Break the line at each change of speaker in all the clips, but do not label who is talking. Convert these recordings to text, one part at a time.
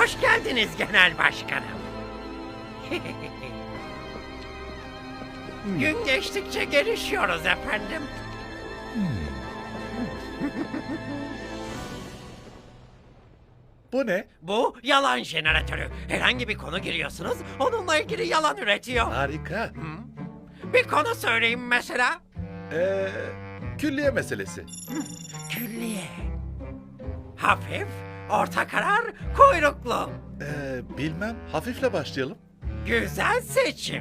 Hoş geldiniz genel başkanım. Gün geçtikçe gelişiyoruz efendim.
Bu ne?
Bu yalan jeneratörü. Herhangi bir konu giriyorsunuz, onunla ilgili yalan üretiyor.
Harika.
Bir konu söyleyeyim mesela.
Külliye meselesi.
Külliye. Hafif, orta karar, kuyruklu.
Bilmem. Hafifle başlayalım.
Güzel seçim.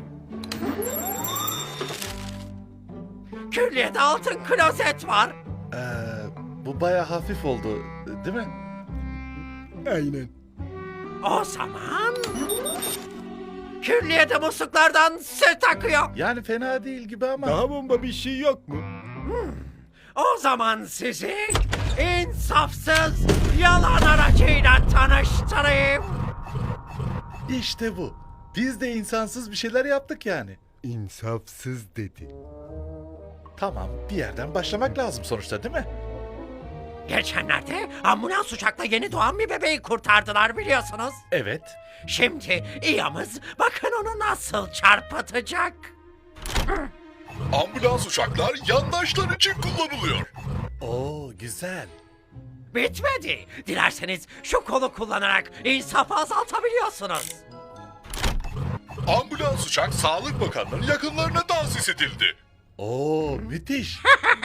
Külliyede altın klozet var.
Bu baya hafif oldu, değil mi?
Aynen.
O zaman... Külliyede musluklardan süt akıyor.
Yani fena değil gibi ama.
Daha bomba bir şey yok mu?
O zaman sizi insafsız yalan aracıyla tanıştırayım.
İşte bu. Biz de insansız bir şeyler yaptık yani.
İnsafsız dedi.
Tamam, bir yerden başlamak lazım sonuçta, değil mi?
Geçenlerde ambulans uçakla yeni doğan bir bebeği kurtardılar biliyorsunuz.
Evet.
Şimdi İyamız bakın onu nasıl çarpıtacak.
Ambulans uçaklar yandaşlar için kullanılıyor.
Oo, güzel.
Bitmedi. Dilerseniz şu kolu kullanarak insafı azaltabiliyorsunuz.
Ambulans uçak Sağlık Bakanlığı'nın yakınlarına tahsis edildi.
Oo, müthiş.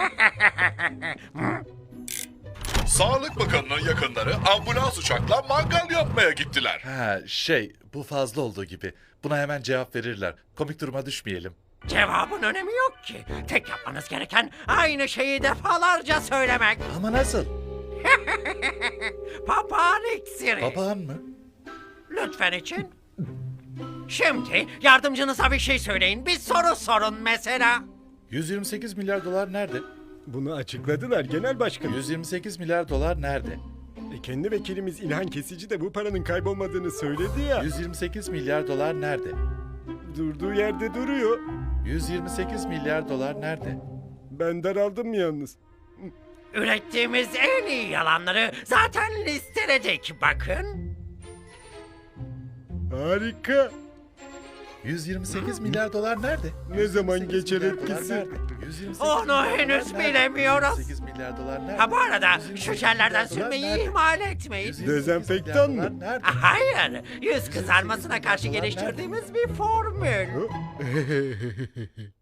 Sağlık Bakanlığı'nın yakınları ambulans uçakla mangal yapmaya gittiler.
Bu fazla olduğu gibi. Buna hemen cevap verirler. Komik duruma düşmeyelim.
Cevabın önemi yok ki. Tek yapmanız gereken aynı şeyi defalarca söylemek.
Ama nasıl?
Papağan iksiri.
Papağan mı?
Lütfen için. Şimdi yardımcınıza bir şey söyleyin. Bir soru sorun mesela.
128 milyar dolar nerede?
Bunu açıkladılar genel başkanım.
128 milyar dolar nerede?
Kendi vekilimiz İlhan Kesici de bu paranın kaybolmadığını söyledi ya.
128 milyar dolar nerede?
Durduğu yerde duruyor.
128 milyar dolar nerede?
Ben daraldım yalnız.
Ürettiğimiz en iyi yalanları zaten listeledik bakın.
Harika.
128 milyar dolar nerede?
Ne zaman
128
geçer
milyar dolar
etkisi?
nerede? 128
Onu
milyar dolar
henüz
nerede?
bilemiyoruz.
128 milyar dolar nerede?
Ha bu arada
128
şu jellerden
milyar dolar
sürmeyi
nerede?
ihmal etmeyin.
128
Dezenfektan
milyar
mı?
dolar nerede?
Hayır, yüz kızarmasına karşı geliştirdiğimiz bir formül.
Hı?